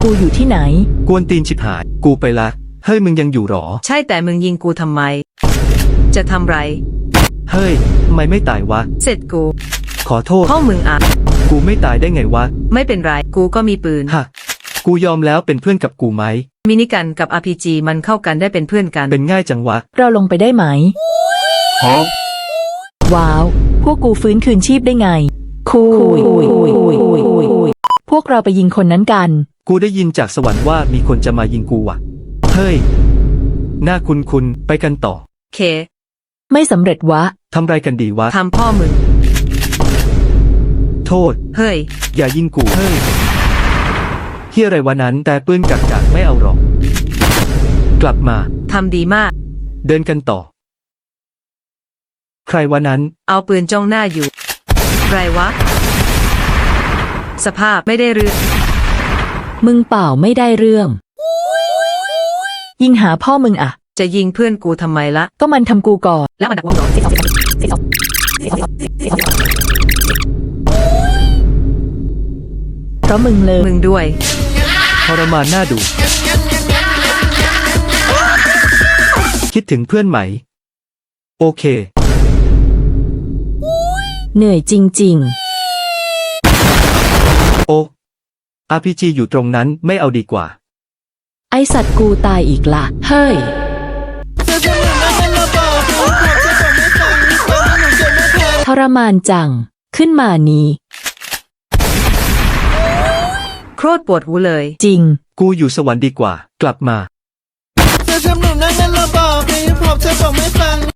กูอยู่ที่ไหนกวนตีนชิบหายกูไปละเฮ้ยมึงยังอยู่หรอใช่แต่มึงยิงกูทำไมจะทำไรเฮ้ยทำไมไม่ตายวะเสร็จกูขอโทษพ่อมึงอ่ะกูไม่ตายได้ไงวะไม่เป็นไรกูก็มีปืนฮะกูยอมแล้วเป็นเพื่อนกับกูไหมมินิกันกับ RPG มันเข้ากันได้เป็นเพื่อนกันเป็นง่ายจังวะเราลงไปได้ไหมว้าวพวกกูฟื้นคืนชีพได้ไงคุยพวกเราไปยิงคนนั้นกันกูได้ยินจากสวรรค์ว่ามีคนจะมายิงกูว่ะเฮ้ยน่าคุ้นไปกันต่อเคไม่สำเร็จวะทำไรกันดีวะทำพ่อมึงโทษเฮ้ยอย่ายิงกูเฮ้ยเฮียอะไรวะนั้นแต่ปืนกักไม่เอาหรอกกลับมาทำดีมากเดินกันต่อใครวะนั้นเอาปืนจ้องหน้าอยู่ไรวะสภาพไม่ได้เรื่องมึงเปล่าไม่ได้เรื่องยิงหาพ่อมึงอะจะยิงเพื่อนกูทำไมละก็มันทำกูก่อนแล้วมันดักวงหรอเพราะมึงเลยมึงด้วยทรมานน่าดูคิดถึงเพื่อนไหมโอเคเหนื่อยจริงๆโอ้ RPG อยู่ตรงนั้นไม่เอาดีกว่าไอสัตว์กูตายอีกละเฮ้ยทรมานจังขึ้นมานี้โคตรปวดหูเลยจริงกูอยู่สวรรค์ดีกว่ากลับมา